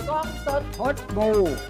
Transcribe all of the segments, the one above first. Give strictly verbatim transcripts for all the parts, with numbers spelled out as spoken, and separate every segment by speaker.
Speaker 1: กล้องสด
Speaker 2: พดบู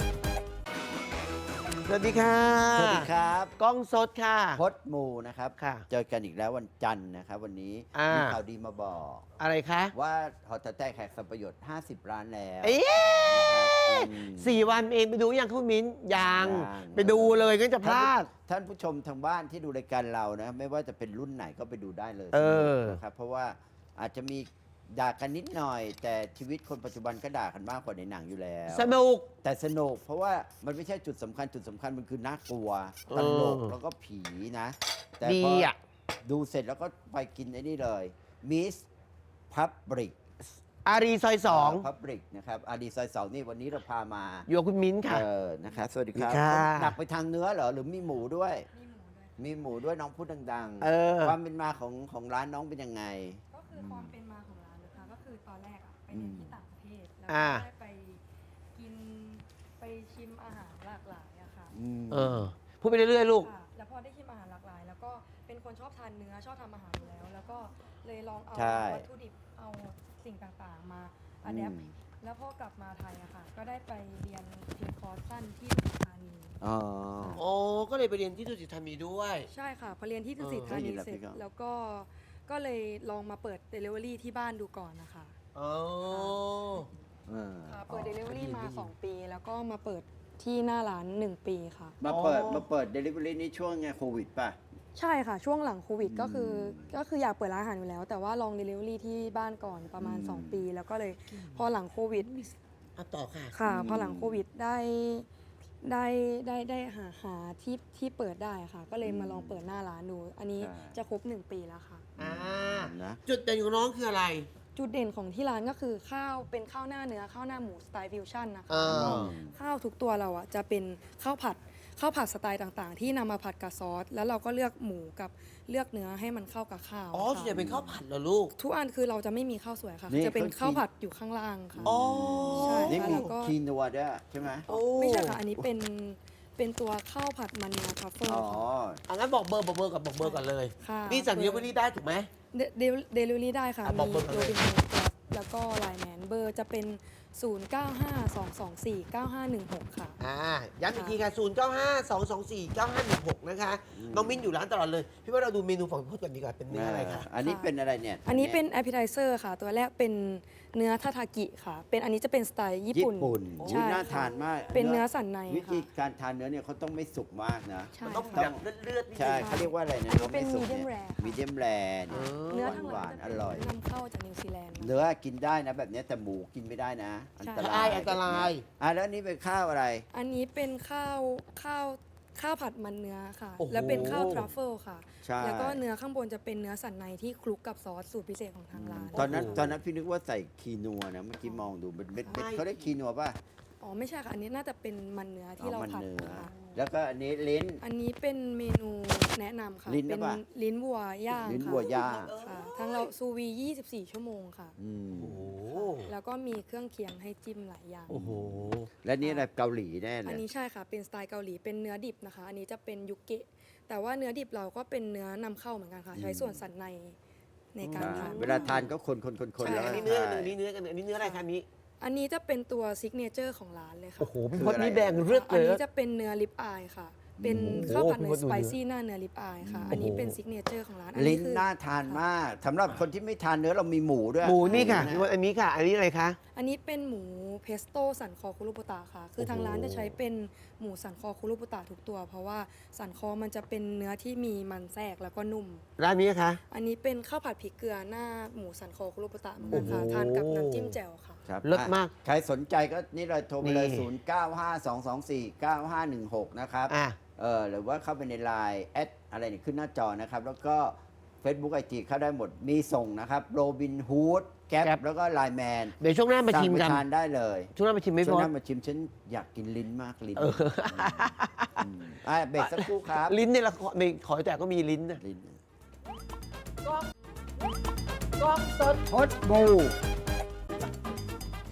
Speaker 1: สวัสดีค่ะ
Speaker 2: สวัสดีครับ
Speaker 1: กล้องสดค่ะ
Speaker 2: พดมูนะครับ
Speaker 1: ค่ะ
Speaker 2: เจอกันอีกแล้ววันจันทร์นะครับ วันนี้
Speaker 1: อ่ามี
Speaker 2: มีข่าวดีมาบอก
Speaker 1: อะไรคะ
Speaker 2: ว่าหอแต๋วแตกแขกสัมประโยชน์ห้าสิบล้านแล้ว
Speaker 1: เอ๊ะ
Speaker 2: นะครับอืม
Speaker 1: สี่วันเองไปดูยังคุณมิ้นยัง
Speaker 2: ยัง
Speaker 1: ไปดูเลยก็จะพลาด
Speaker 2: ท่านผู้ชมทางบ้านที่ดูรายการเรานะ ไม่ว่าจะเป็นรุ่นไหนก็ไปดูได้เลย
Speaker 1: เออ
Speaker 2: นะครับเพราะว่าอาจจะมีด่ากันนิดหน่อย แต่ชีวิตคนปัจจุบันก็ด่ากันมากกว่าในหนังอยู่แล้ว
Speaker 1: สนุก
Speaker 2: แต่สนุกเพราะว่ามันไม่ใช่จุดสำคัญจุดสำคัญมันคือน่ากลัวตลก
Speaker 1: เออ
Speaker 2: แล้วก็ผีนะ แต่
Speaker 1: ดี
Speaker 2: พอ
Speaker 1: อ่ะ
Speaker 2: ดูเสร็จแล้วก็ไปกินไอ้นี่เลยมิสพับริก
Speaker 1: อารีซอยสอง
Speaker 2: พับริกนะครับอาดีซอยสองนี่วันนี้เราพามา
Speaker 1: อยู่กับคุณมิ้นค่ะ
Speaker 2: เออนะครับสวัสดีครับ
Speaker 1: สวัสดีค่ะ
Speaker 2: หนักไปทางเนื้อเหรอหรือมีหมูด้วย มีหมูด้วยน้องพูดดัง
Speaker 1: เออ
Speaker 2: ความเป็นมาของของร้านน้องเป็นยังไง
Speaker 3: ก็คือความเป็นมาของร้านนะคะก็คือตอนแรกอะไปเรียนที่ต่างประเทศแล้ว
Speaker 1: อ่า
Speaker 3: ก็ได้ไปกินไปชิมอาหารหลากหลายอะค่ะ
Speaker 2: อืม
Speaker 1: เออ พูดไปเรื่อยๆลูก
Speaker 3: ค่ะ แล้วพอได้ชิมอาหารหลากหลาย แล้วก็เป็นคนชอบทานเนื้อชอบทำอาหารอยู่แล้ว แล้วก็เลยลองเอา
Speaker 2: ใช่
Speaker 3: วัตถุดิบเอาสิ่งต่างๆมาอัดแอป
Speaker 2: อืม
Speaker 3: แล้วพอกลับมาไทยอะค่ะ ก็ได้ไปเรียนเพียงคอร์สสั้นที่ดุสิตธานี
Speaker 2: อ๋อ
Speaker 1: โอ้ก็เลยไปเรียนที่ดุสิตธานีด้วย
Speaker 3: ใช่ค่ะพอเรียนที่ดุสิต
Speaker 1: เออ
Speaker 3: ธานี
Speaker 2: ได้ยินแล้ว
Speaker 3: เสร็จ
Speaker 2: พี่ก็
Speaker 3: แล้วก็ก็เลยลองมาเปิด Delivery ที่บ้านดูก่อนนะคะ
Speaker 1: อ๋อ
Speaker 2: เออ
Speaker 3: ค่ะเปิด Delivery
Speaker 1: ได้ยิน
Speaker 3: มา
Speaker 1: ได้ยิน
Speaker 3: สอง ปี แล้วก็มาเปิดที่หน้าร้านหนึ่งปีค่ะ
Speaker 2: มาเปิด
Speaker 1: อ๋อ
Speaker 2: มาเปิดเดลิเวอรี่นี่ช่วงไงโควิดป่ะ
Speaker 3: ใช่ค่ะ ช่วงหลังโควิดก็คือ
Speaker 2: อืม
Speaker 3: ก็คืออยากเปิดร้านอาหารอยู่แล้ว แต่ว่าลอง Delivery ที่บ้านก่อนประมาณ
Speaker 2: อืม
Speaker 3: สอง ปี แล้วก็เลยพอหลังโควิด
Speaker 1: อ่ะต่อค่ะ
Speaker 3: ค่ะ
Speaker 2: อืม
Speaker 3: พอหลังโควิดได้ได้ได้ได้หาหาที่ที่เปิดได้ค่ะ ก็เลยมาลองเปิดหน้าร้านดู อันนี้จะครบหนึ่งปีแล้วค่ะ
Speaker 1: อ่า
Speaker 2: นะ
Speaker 1: จุดเด่นของน้องคืออะไร
Speaker 3: จุดเด่นของที่ร้านก็คือข้าวเป็นข้าวหน้าเนื้อข้าวหน้าหมูสไตล์ฟิวชั่นนะคะ
Speaker 1: อ่า
Speaker 3: แล้วก็ข้าวทุกตัวเราอ่ะจะเป็นข้าวผัดข้าวผัดสไตล์ต่างๆ ที่นำมาผัดกับซอส แล้วเราก็เลือกหมูกับเลือกเนื้อให้มันเข้ากับข้าว
Speaker 1: อ๋อส่วนใหญ่
Speaker 3: ค่ะ
Speaker 1: เป็นข้าวผัดเหรอลูก
Speaker 3: ทุกอันคือเราจะไม่มีข้าวสวยค่ะ
Speaker 2: นี่
Speaker 3: จะเป็น
Speaker 2: เขากิน
Speaker 3: ข้าวผัดอยู่ข้างล่างค่ะ
Speaker 1: อ๋อ
Speaker 3: ใช่
Speaker 2: นี่มี
Speaker 3: แล้วก็
Speaker 2: คีนัวด้วยใช่ไหม
Speaker 1: โอ้
Speaker 3: ไม่ใช่ค่ะ อันนี้เป็นเป็นตัวข้าวผัดมันเนื้อทรัฟเฟิล
Speaker 2: อ๋อ
Speaker 3: ค่ะ
Speaker 1: อันนั้นบอกเบอร์บอกเบอร์กับบอกเบอร์ก่อนเลย
Speaker 3: ค่ะ
Speaker 1: นี่สั่งเดลิเวอรี่ได้ถูกไหม
Speaker 3: เดเดลิเวอรี่ได้ค่ะ
Speaker 1: อ่ะบอ
Speaker 3: มี
Speaker 1: กเบอร์
Speaker 3: โร
Speaker 1: เลย
Speaker 3: บินฮูดแล้วก็ไลน์แมนเบอร์จะเป็น ศูนย์ เก้า ห้า สอง สอง สี่ เก้า ห้า หนึ่ง หก ค่ะ
Speaker 1: อ่าย้ำอีกทีค่ะ ศูนย์ เก้า ห้า สอง สอง สี่ เก้า ห้า หนึ่ง หก นะคะ น้องมิ้นอยู่ร้านตลอดเลย พี่ว่าเราดูเมนูของพี่พจน์กันดีกว่า เป็นเนื้ออะไรคะ
Speaker 2: อันนี้เป็นอะไรเนี่ย
Speaker 3: อันนี้เป็น appetizer ค่ะ ตัวแรกเป็นเนื้อทาทากิค่ะ เป็นอันนี้จะเป็นสไตล์ญี่
Speaker 2: ญี่
Speaker 3: ปุ่น
Speaker 2: ปุ่น
Speaker 3: ใช่
Speaker 2: อุ๊ยน่า
Speaker 3: ค่ะ
Speaker 2: ทานมาก
Speaker 3: เป็นเนื้อสันใน
Speaker 2: วิธี
Speaker 3: ค่ะ
Speaker 2: การทานเนื้อเนี่ยเขาต้องไม่สุกมากนะ
Speaker 3: ใช่
Speaker 1: มันต้อง
Speaker 3: ค่ะ
Speaker 1: แบบเลือดๆนิด
Speaker 2: ใช่
Speaker 1: นึง
Speaker 2: เขาเรียกว่าอะไรนะ
Speaker 3: อันนี้เป็น
Speaker 2: ไม่สุก
Speaker 3: medium rare ค่ะ
Speaker 2: มีเดียมแรเนี่ย
Speaker 3: เนื้อ
Speaker 2: หวาน
Speaker 3: ทั้ง
Speaker 2: ห
Speaker 3: ห
Speaker 2: วาม
Speaker 3: ด
Speaker 2: น
Speaker 3: จะ
Speaker 2: อ
Speaker 3: เป็น
Speaker 2: ร่อย
Speaker 3: นำเข้าจากนิวซีแลนด์
Speaker 2: เนื้อกินได้นะแบบเนี้ยแต่หมูกินไม่ได้นะ อันตรา
Speaker 1: ใช่
Speaker 2: ย
Speaker 1: อันตราย
Speaker 2: อ่ะแล้วอันนี้เป็นข้าวอะไร
Speaker 3: อันนี้เป็นข้าวข้าวข้าวผัดมันเนื้อค่ะ
Speaker 1: โอ้โห
Speaker 3: แล้วเป็นข้าวทรัฟเฟิลค่ะ
Speaker 2: ใช่
Speaker 3: แล้วก็เนื้อข้างบนจะเป็นเนื้อสันในที่คลุกกับซอสสูตรพิเศษของทางร้าน
Speaker 2: ตอนนั้น
Speaker 1: โอ้โห
Speaker 2: ตอนนั้นพี่นึกว่าใส่คีนัวนะเมื่อกี้มองดูเป็นเม็ดเม็ด
Speaker 1: ใช่
Speaker 2: เขาเรียกคีนัวป่ะ
Speaker 3: อ๋อไม่ใช่ค่ะ อันนี้น่าจะเป็นมันเนื้อที่
Speaker 2: อ๋อ
Speaker 3: เรา
Speaker 2: มัน
Speaker 3: ผัด
Speaker 2: เนื้อ
Speaker 3: ค่ะ
Speaker 2: แล้วก็อันนี้ลิ้น
Speaker 3: อันนี้เป็นเมนูแนะนำค่ะ
Speaker 2: ลิ้นหรื
Speaker 3: เป็
Speaker 2: อน เปล่า
Speaker 3: ลิ้นวัวย่าง
Speaker 2: ลิ้น
Speaker 3: ค่ะ
Speaker 2: วัวย่าง
Speaker 3: ค่ะทางเราซูวียี่สิบสี่ ชั่วโมงค่ะ
Speaker 2: อืม
Speaker 1: โอ้โห
Speaker 3: แล้วก็มีเครื่องเคียงให้จิ้มหลายอย่าง
Speaker 1: โอ้โห
Speaker 2: และนี่อะไรเกาหลีแน่เล
Speaker 3: อัน
Speaker 2: ย
Speaker 3: นี้ใช่ค่ะ เป็นสไตล์เกาหลี เป็นเนื้อดิบนะคะ อันนี้จะเป็นยุเกะ แต่ว่าเนื้อดิบเราก็เป็นเนื้อนำเข้าเหมือนกันค่ะ ใช้ส่วนสันในในการทาน
Speaker 2: เวลาทานก็คนคนคนคน
Speaker 3: ใช่
Speaker 2: แล้ว
Speaker 1: อันนี้เนื้ออันนี้เนื้อกันอันนี้เนื้ออะไรคะนี้
Speaker 3: อันนี้จะเป็นตัวซิกเนเจอร์ของร้านเลยค่ะ
Speaker 1: โอ้โหพี่พจน์นี่แดงเลือด
Speaker 3: อั
Speaker 1: เล
Speaker 3: น
Speaker 1: ย
Speaker 3: นี้จะเป็นเนื้อลิปอายค่ะ เป็น
Speaker 1: โอ้โห
Speaker 3: ข้าวผัดเนื้อ
Speaker 1: พี่พจน์ดู
Speaker 3: สไป
Speaker 1: เนื้อ
Speaker 3: ซี่หน้าเนื้อลิปอายค่ะ อันนี้
Speaker 1: โอ้โห
Speaker 3: เป็นซิกเนเจอร์ของร้าน อั
Speaker 2: ลิ้น
Speaker 3: คือ
Speaker 2: น่าทานมากสำหรับคนที่ไม่ทานเนื้อเรามีหมูด้วย
Speaker 1: หมูนี่ค่ะพี่พจน์อันนี้ค่ะ อันนี้อะไรคะ
Speaker 3: อันนี้เป็นหมูเพสโต้สันคอคุรุบุตะค่ะ คือทางร้านจะใช้เป็นหมูสันคอคุรุบุตะทุกตัว เพราะว่าสันคอมันจะเป็นเนื้อที่มีมันแทรกแล้วก็นุ่ม
Speaker 1: ร้านนี้คะ
Speaker 3: อันนี้เป็นข้าวผัดพริกเกลือหน้าหมูสันคอคุรุบุตะเหมือนกันค่ะ
Speaker 1: โอ้โห
Speaker 3: ทานกับน้ำจิ้มแจ่วค่ะ
Speaker 2: ครับ
Speaker 1: เลิศมาก
Speaker 2: อ่ะใครสนใจก็นี่เลยโทรไปเลย
Speaker 1: นี่
Speaker 2: ศูนย์ เก้า ห้า สอง สอง สี่ เก้า ห้า หนึ่ง หก นะครับ
Speaker 1: อ่ะ
Speaker 2: เออหรือว่าเข้าไปในไลน์แอดอะไรเนี่ยขึ้นหน้าจอนะครับ แล้วก็ Facebook ไอจีเข้าได้หมดมีส่งนะครับโรบินฮูดแก๊ป
Speaker 1: Gap
Speaker 2: แล้วก็ไลน์แมน
Speaker 1: เดี๋ยวช่วงหน้ามาชิมกัน
Speaker 2: ทานได้เลย
Speaker 1: ช่วงหน้ามาชิมไหม่
Speaker 2: ช่
Speaker 1: พ
Speaker 2: วง
Speaker 1: อ
Speaker 2: หน้ามาชิมฉันอยากกินลิ้นมากลิ้น
Speaker 1: เออ
Speaker 2: มอ่ะเบรกสักครู่ครับ
Speaker 1: ลิ้นในละครในขอแต่ก็มีลิ้นนะ
Speaker 2: ลิ้น
Speaker 1: กล้องสด
Speaker 2: พดบู
Speaker 1: อ่ะ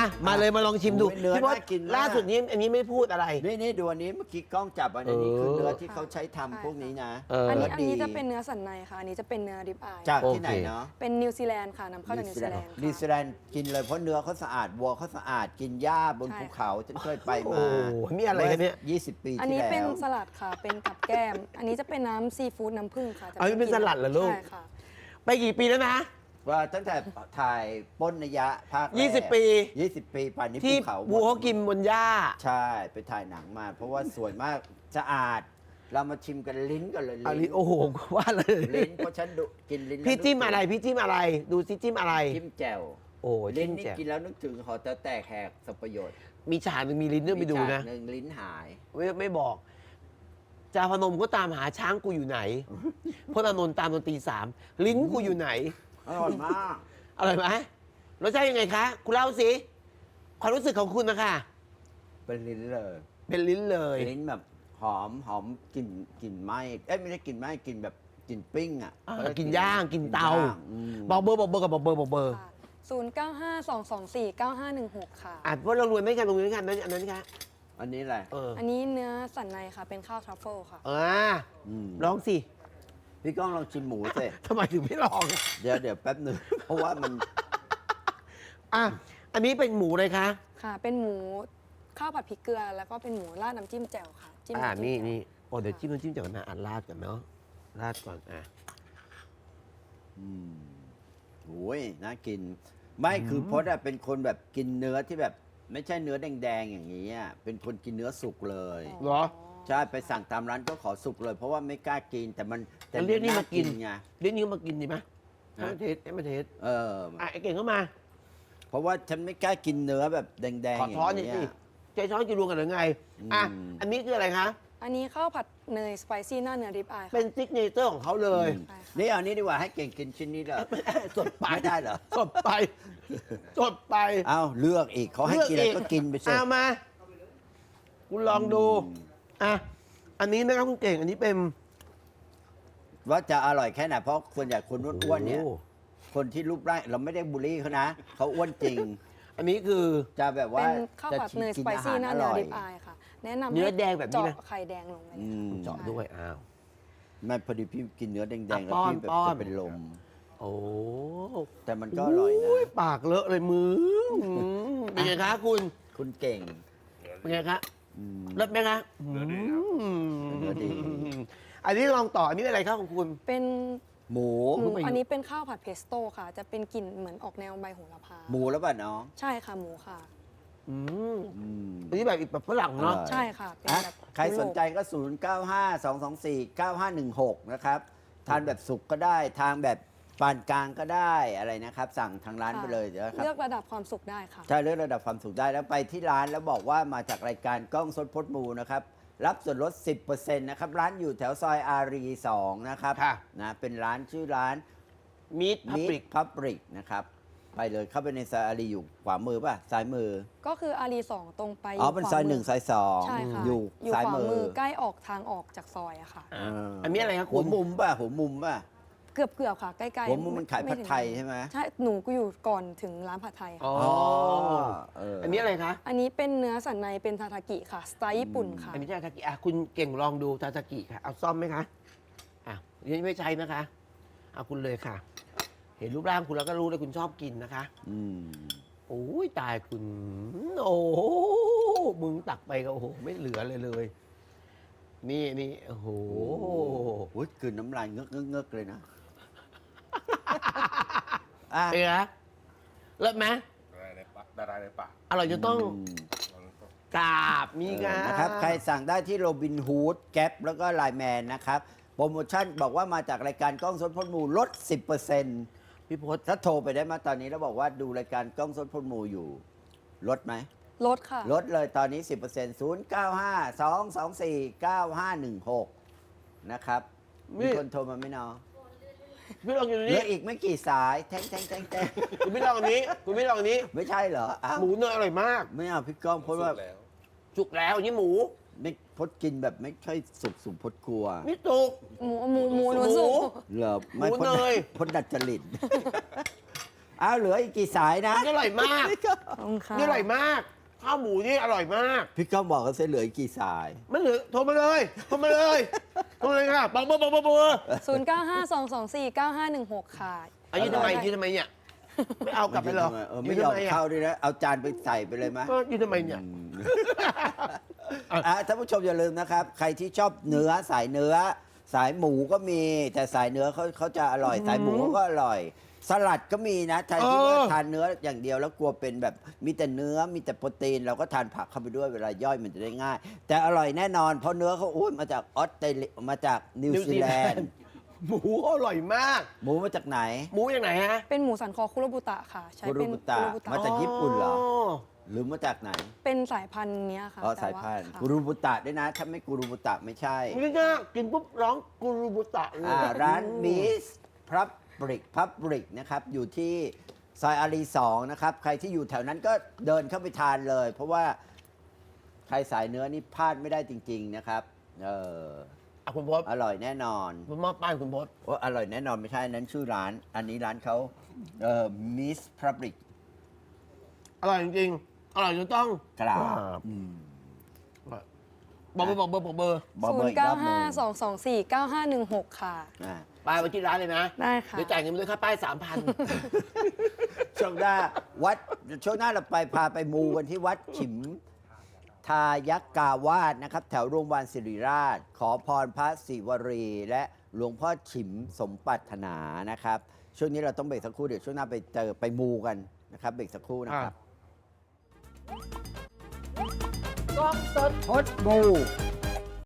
Speaker 1: มาเลยมาลองชิมดู
Speaker 2: โอ้ยเนื้อ
Speaker 1: พี่พศ
Speaker 2: น่ากินมาก
Speaker 1: ล่าสุดนี้อันนี้ไม่พูดอะไร
Speaker 2: นี่นี่ดูอันนี้เมื่อกี้กล้องจับอันนี้
Speaker 1: เออ
Speaker 2: คือเนื้อที่เขาใช้ทำพวกนี้นะ
Speaker 1: เออ
Speaker 3: อันนี้
Speaker 2: เ
Speaker 3: อันนี้จะเป็นเนื้อสันในค่ะ อันนี้จะเป็นเนื้อริบอาย
Speaker 2: จาก
Speaker 1: โอเค
Speaker 2: ที่ไหนเนาะ
Speaker 3: เป็นนิวซีแลนด์ค่ะนำเข้าจากนิวซีแลนด์
Speaker 2: นิวซี
Speaker 3: ค่ะ
Speaker 2: แลนด์กินเลยเพราะเนื้อเขาสะอาดวัวเขาสะอาดกินหญ้าบน
Speaker 3: ใช่
Speaker 2: ภูเขาฉันเคยไป
Speaker 1: โอ้
Speaker 2: มา
Speaker 1: โหนี่อะไรกันเนี่ย
Speaker 2: ยี่สิบปี
Speaker 3: อัน
Speaker 2: ที่
Speaker 3: นี้
Speaker 2: แล้
Speaker 3: เป็น
Speaker 2: ว
Speaker 3: สลัดค่ะ เป็นกับแก้ม อันนี้จะเป็นน้ำซีฟู้ดน้ำผึ้งค่ะจะ
Speaker 1: อันนี้เป็นสลัดเหรอลูก
Speaker 3: ใช่ค่ะ
Speaker 1: ไปกี่ปีแล้วนะ
Speaker 2: ว่าตั้งแต่ถ่ายปล้นนยะภาคแรก
Speaker 1: ยี่สิบปี
Speaker 2: ยี่สิบปีป่านนี้
Speaker 1: ที่
Speaker 2: ภูเขาหมด
Speaker 1: วัวเขากินบนหญ้า
Speaker 2: ใช่ไปถ่ายหนังมา เพราะว่าสวยมากสะอาด เรามาชิมกันลิ้นกันเลย
Speaker 1: อันนี้โอ้โหว่าเลย
Speaker 2: ลิ้นเพราะฉันดูกินลิ้นแล้ว
Speaker 1: พี่จิ้ม
Speaker 2: นึกถึง
Speaker 1: อะไรพี่จิ้มอะไร ดูซิจิ้มอะไร
Speaker 2: จิ้มแจ่ว
Speaker 1: โอ้ย
Speaker 2: ลิ้
Speaker 1: จิ้
Speaker 2: น
Speaker 1: ม
Speaker 2: นี่
Speaker 1: แจ่ว
Speaker 2: กินแล้วนึกถึงหอแต๋วแตกแหกสับประโยชน์
Speaker 1: มีฉากหนึ่งมีลิ้นด้วยไปดู
Speaker 2: มี
Speaker 1: นะ
Speaker 2: ฉากหนึ่งลิ้นหาย
Speaker 1: ไม่ไม่บอกจาพนมก็ตามหาช้างกูอยู่ไหนพจน์อานนท์ตามดนตรีสามลิ้นกูอยู่ไหน
Speaker 2: อร่อยมาก
Speaker 1: อร่อยไหมรสชาติยังไงคะ คุณเล่าสิความรู้สึกของคุณนะคะ
Speaker 2: เป็นลิ้นเลย
Speaker 1: เป็นลิ้นเลย
Speaker 2: ลิ้นแบบหอมหอมกลิ่นกลิ่นไหม้เอ้ยไม่ได้กลิ่นไหม้กลิ่นแบบกลิ่นปิ้งอ่ะ
Speaker 1: อ่า
Speaker 2: เขเรี
Speaker 1: กินย่างกินเตา
Speaker 2: ย่งอืม
Speaker 1: บอกเบอร์บอกเบอร์กับบอกเบอร์บอกเบอร์
Speaker 3: ค่ะศูนย์เก้าห้าสองสองสี่เก้าห้าหนึ่งหกค่ะ
Speaker 1: อ่ะว่าเรารวยไม่กันรวยไม่กันนั้นอันนั้นคะ
Speaker 2: อันนี้แหละ
Speaker 1: เออ
Speaker 3: อันนี้เนื้อสันในค่ะ เป็นข้าวทรัฟเฟิลค่ะ
Speaker 1: อ่า
Speaker 2: อืม
Speaker 1: ร้องสิ
Speaker 2: พี่ก้องลองชิมหมูสิ
Speaker 1: ทำไมถึงไม่ลองอ่ะ
Speaker 2: เดี๋ยวเดี๋ยวแป๊บหนึ่ง เพราะว่ามัน
Speaker 1: อ่ะอันนี้เป็นหมูเลยคะ
Speaker 3: ค่ะ เป็นหมูข้าวผัดพริกเกลือ แล้วก็เป็นหมูราดน้ำจิ้มแจ่วค่ะ จิ้ม
Speaker 1: อ่า
Speaker 3: ำจิ้ม
Speaker 1: นี่
Speaker 3: แจ่ว
Speaker 1: นี่โอ้เดี๋ยวจิ้มน้ำจิ้มจากนะอ่านราดก่อนเนาะราดก่อนอ่ะ
Speaker 2: อืมโอ้ยน่ากิน ไม่คือพจน์อะเป็นคนแบบกินเนื้อที่แบบ ไม่ใช่เนื้อแดงๆอย่างนี้อะเป็นคนกินเนื้อสุกเลย
Speaker 1: เหรอ
Speaker 2: ใช่ไปสั่งตามร้านก็ขอสุกเลย เพราะว่าไม่กล้ากินแต่มันแต่
Speaker 1: แล้วเรียกนี่มากิน
Speaker 2: ไง
Speaker 1: เดี๋ยวนี้มากินดีไหมให้
Speaker 2: ฮะ
Speaker 1: มาเทสให้มาเทส
Speaker 2: เออ
Speaker 1: อ่ะไอ้เก่งเข้ามา
Speaker 2: เพราะว่าฉันไม่กล้ากินเนื้อแบบแดงๆ
Speaker 1: ขอ
Speaker 2: อย่าง
Speaker 1: ช้อนหน่อย
Speaker 2: เงี้
Speaker 1: สิ
Speaker 2: ย
Speaker 1: ใจช้อนจะรวมกันหรือไง อ่ะ
Speaker 2: อืม
Speaker 1: อันนี้คืออะไรคะ
Speaker 3: อันนี้ข้าวผัดเนยสไปซี่หน้าเนื้อริบอายค่ะ
Speaker 1: เป็นซิกเนเจอร์ของเขาเลย
Speaker 2: อืม
Speaker 3: ใช่ค่ะ
Speaker 2: นี่เอานี้ดีกว่าให้เก่งกินชิ้นนี้เลย
Speaker 1: สดไป
Speaker 2: ไม่ได้เหรอ
Speaker 1: สดไปสดไป
Speaker 2: เอาเลือกอีกเขาให้กินอะไรก็กินไปสิ
Speaker 1: เอามา คุณลองดู
Speaker 2: อืม
Speaker 1: อ่ะ อันนี้นะครับคุณเก่ง อันนี้เป็น
Speaker 2: ว่าจะอร่อยแค่ไหนเพราะส่วนใหญ่คนอ้วนๆเนี่ย
Speaker 1: โอ้
Speaker 2: คนที่รูปร่างเราไม่ได้บูลลี่เขานะเขาอ้วนจริง
Speaker 1: อันนี้คือ
Speaker 2: จะแบบว่า
Speaker 3: เป็นข้าว
Speaker 2: จะ
Speaker 3: ผัดเนยส
Speaker 2: กิน
Speaker 3: ไป
Speaker 2: อาหา
Speaker 3: ซี่
Speaker 2: ร
Speaker 3: หน้า
Speaker 2: อ
Speaker 3: เนื้อ
Speaker 2: ร่อย
Speaker 3: ริบอายค่ะ แนะนำ
Speaker 1: เนื้อ
Speaker 3: ให้
Speaker 1: แดงแบบนี้นะ
Speaker 3: เจาะไข่แดงลงไปเลย
Speaker 2: อืม
Speaker 1: เจาะด้วย อ้าว
Speaker 2: ไม่พอดีพี่กินเนื้อแดงๆ
Speaker 1: อ่ะ
Speaker 2: แล้ว
Speaker 1: ป้อน
Speaker 2: พี่แบบ
Speaker 1: ป้อน
Speaker 2: จะเป็นลม
Speaker 1: โอ้
Speaker 2: แต่มันก็อร่อยนะ
Speaker 1: ยปากเลอะเลยมืออืมเป็นไงคะคุณ
Speaker 2: คุณเก่ง
Speaker 1: เป็นไงคะ
Speaker 2: อืม
Speaker 1: เลิศไหมคะ
Speaker 2: เนื้อดี
Speaker 1: มอันนี้ลองต่อ อันนี้อะไรครับของคุณ
Speaker 3: เป็น
Speaker 2: หมู
Speaker 3: หมู
Speaker 1: ไม่อยู่
Speaker 3: อันนี้เป็นข้าวผัดเพสโต้ค่ะ จะเป็นกลิ่นเหมือนออกแนวใบโหระพา
Speaker 2: หมูแล้วป่ะน้อง
Speaker 3: ใช่ค่ะหมูค่ะ
Speaker 1: อืม
Speaker 2: อืม
Speaker 1: อันนี้แบบอีกแบบฝรั่งเนาะ
Speaker 2: อร่อย
Speaker 3: ใช่ค่ะ เป็น
Speaker 2: อ่ะ
Speaker 3: แบบ
Speaker 2: ใครสนใจก็ ศูนย์ เก้า ห้า สอง สอง สี่ เก้า ห้า หนึ่ง หก นะครับ ทานแบบสุกก็ได้ ทานแบบปานกลางก็ได้อะไรนะครับ สั่งทางร้าน
Speaker 3: ค่ะ
Speaker 2: ไปเลยเดี๋ยวนะครับ
Speaker 3: เลือกระดับความสุขได้ค่ะ
Speaker 2: ใช่เลือกระดับความสุขได้แล้วไปที่ร้านแล้วบอกว่ามาจากรายการกล้องสดพดมูนะครับ รับส่วนลด สิบเปอร์เซ็นต์ นะครับ ร้านอยู่แถวซอยอารีสองนะครับ
Speaker 1: ค่ะ
Speaker 2: นะเป็นร้านชื่อร้าน
Speaker 1: มีดพับ
Speaker 2: มิ
Speaker 1: ปริก
Speaker 2: พับริกนะครับ ไปเลยเข้าไปในซอยอารีอยู่ขวามือป่ะ ซ้ายมือ
Speaker 3: ก็คืออารีสองตรงไป
Speaker 2: อ๋อเป็น
Speaker 3: ขวา
Speaker 2: ซอย
Speaker 3: มื
Speaker 2: หนึ่งซอยสอง
Speaker 3: ใช่ค่ะ
Speaker 2: อยู่
Speaker 3: อยู่
Speaker 2: ซ้าย
Speaker 3: ขวา
Speaker 2: มือ
Speaker 3: มือใกล้ออกทางออกจากซอยอะค่ะ
Speaker 1: อ่า
Speaker 2: เอออั
Speaker 1: อันนี้อะไรครับ
Speaker 2: หั
Speaker 1: คุ
Speaker 2: ว
Speaker 1: ณ
Speaker 2: มุมป่ะหัวมุมป่ะ
Speaker 3: เกือบเกือบๆค่ะ ใกล้ๆ
Speaker 2: หัวมุมมันขาย
Speaker 3: ไ
Speaker 2: ผัดไทยใช่ไหม
Speaker 3: ใช่ หนูก็อยู่ก่อนถึงร้านผัดไทย
Speaker 1: อ๋
Speaker 3: ค่ะ
Speaker 1: อ
Speaker 2: เออ
Speaker 1: อันนี้อะไรคะ
Speaker 3: อันนี้เป็นเนื้อสันในเป็นทาทากิค่ะ สไตล์ญี่ปุ่นค่ะ
Speaker 1: อันนี้ใช่ทากิอ่ะคุณเก่งลองดูทาทากิค่ะ เอาซ่อมไหมคะ อ่ะยังไม่ใช้นะคะ เอาคุณเลยค่ะ เห็นรูปร่างคุณแล้วก็รู้เลยคุณชอบกินนะคะ
Speaker 2: อืม
Speaker 1: โอ้ยตายคุณ โอ้โหมึงตักไปก็โอ้โห ไม่เหลือเลยเลย นี่นี่โอ้โห
Speaker 2: โอ้ยกลืนน้ำลายเงือกเงือกเงือกเลยนะอ่ะ
Speaker 1: เป็นไงคะเลิศไหม
Speaker 4: ดาราในปากดาราในปาก
Speaker 1: อร่อยจะต้อง
Speaker 2: ม
Speaker 1: กราบมี
Speaker 2: เอ
Speaker 1: กั
Speaker 2: อน นะครับ ใครสั่งได้ที่โรบินฮูดแก๊ปแล้วก็ไลแมนนะครับ โปรโมชั่นบอกว่ามาจากรายการกล้องสดพดมูลด สิบเปอร์เซ็นต์
Speaker 1: พี่พศ
Speaker 2: ถ้าโทรไปได้มาตอนนี้แล้วบอกว่าดูรายการกล้องสดพดมูอยู่ ลดไหม
Speaker 3: ลดค่ะ
Speaker 2: ลดเลยตอนนี้ สิบเปอร์เซ็นต์ ศูนย์ เก้า ห้า สอง สอง สี่ เก้า ห้า หนึ่ง หก นะครับ มีคนโทรมาไหมน้อง
Speaker 1: พี่ลองอยู่
Speaker 2: เหลื
Speaker 1: นี้
Speaker 2: ออีกไม่กี่สาย แทงแทงแทงแทง
Speaker 1: คุณไม่ลองอันนี้ คุณไม่ลองอันนี้
Speaker 2: ไม่ใช่เหรออ้าว
Speaker 1: หมูเนยอร่อยมาก
Speaker 2: ไม่เอาพี่ก้องเพราะว่า
Speaker 4: สุกแล้ว
Speaker 1: จุกแล้วอันนี้หมู
Speaker 2: ไม่พดกินแบบไม่ค่อยสุกสุกพดกลัว
Speaker 1: นี่จุก
Speaker 3: หมูหมูหมูหนู
Speaker 1: หมู
Speaker 3: สุก
Speaker 2: เหรอไม่
Speaker 1: หมู
Speaker 2: พด
Speaker 1: เนย
Speaker 2: พดดัดจริตอ้าวเหลืออีกกี่สายนะ
Speaker 1: นี่อร่อยมาก
Speaker 3: ขอบคุณค่ะ
Speaker 1: นี่อร่อยมาก ข้าวหมูนี่อร่อยมาก
Speaker 2: พี่ก้องบอกกันเสียเหลืออีกกี่สาย
Speaker 1: มันเหลือโทรมาเลยโทรมาเลยโทรมาเลยค่ะบอกเบอร์บอกเบอร์บอกเบอร์
Speaker 3: ศูนย์ เก้า ห้า สอง สอง สี่ เก้า ห้า หนึ่ง หก ค่ะ
Speaker 1: อายุทำไมยืนทำไมเนี่ยไม่เอากลับไปหรอ
Speaker 2: เออไม่ยอม
Speaker 1: ทำะ
Speaker 2: เข้าด้วยนะ เอาจานไปใส่ไปเลยไหม
Speaker 1: ก็ยืนทำไมเนี่ย
Speaker 2: อ่ะท่านผู้ชมอย่าลืมนะครับ ใครที่ชอบเนื้อสายเนื้อ สายหมูก็มี แต่สายเนื้อเขาเขาจะอร่อย สายหมูเขาก็อร่อย สลัดก็มีนะใครที่ว่าทานเนื้ออย่างเดียวแล้วกลัวเป็นแบบมีแต่เนื้อมีแต่โปรตีน เราก็ทานผักเข้าไปด้วยเวลาย่อยมันจะได้ง่าย แต่อร่อยแน่นอนเพราะเนื้อเขาอุ้ยมาจากออสเตรเลียมาจากนิวซีแลนด์
Speaker 1: หมูอร่อยมาก
Speaker 2: หมูมาจากไหน
Speaker 1: หมูอย่างไหนฮะ
Speaker 3: เป็นหมูสันคอคุโรบุตะค่ะ ใช้
Speaker 2: คุโร
Speaker 3: เป็น
Speaker 2: บุตะ
Speaker 3: คุโรบุตะ
Speaker 2: มาจากญี่ปุ่นเหรอ หรือมาจากไหน
Speaker 3: เป็นสายพันธุ์เนี้ยค่ะ
Speaker 2: อ๋อ
Speaker 3: แต่
Speaker 2: สาย
Speaker 3: ว่
Speaker 2: พันธุ์
Speaker 3: ค่ะ
Speaker 2: กูรูบุตะด้วยนะ ถ้าไม่กูรูบุตะไม่ใช่
Speaker 1: นี่ก็กินปุ๊บร้องกูรูบุตะเลย
Speaker 2: อ่าร้านมิสพับปริกพับปริกนะครับ อยู่ที่ซอยอารีสองนะครับ ใครที่อยู่แถวนั้นก็เดินเข้าไปทานเลย เพราะว่าใครสายเนื้อนี่พลาดไม่ได้จริง ๆ นะครับ เออ
Speaker 1: อ่ะคุณพศ
Speaker 2: อร่อยแน่นอน
Speaker 1: ผมมอบป้ายคุณพศ
Speaker 2: ว่าอร่อยแน่นอนไม่ใช่อันนั้นชื่อร้าน อันนี้ร้านเขาเอ่อมิสพับปริก
Speaker 1: อร่อยจริงๆอร่อยจนต้อง
Speaker 2: กราบ
Speaker 1: อ่า
Speaker 2: อืม
Speaker 1: บอกเบอร์บอกเบอร์บอกเบอร์
Speaker 2: บอก
Speaker 3: ศู
Speaker 2: เบอน ร์
Speaker 3: ย์
Speaker 2: อีก
Speaker 3: เก้าร
Speaker 2: อบหนึ่
Speaker 3: ห้าง สองสองสี่เก้าห้าหนึ่งหกค่ะ
Speaker 2: อ่า
Speaker 1: ป้ายไปที่ร้านเลยนะ
Speaker 3: ได้ค่ะ
Speaker 1: เดี๋ยวจ่ายเงินไปด้วยค่าป้ายสามพัน
Speaker 2: ช่วงหน้าวัดช่วงหน้าเราไปพาไปมูกันที่วัดฉิมทายักกาวาสนะครับ แถวโรงพยาบาลศิริราช ขอพรพระศิวรี และหลวงพ่อฉิมสมปรารถนานะครับ ช่วงนี้เราต้องเบรกสักครู่เดี๋ยวช่วงหน้าไปเจอไปมูกันนะครับเบรกสักครู่นะครับ
Speaker 1: กล้องสด
Speaker 2: พดมู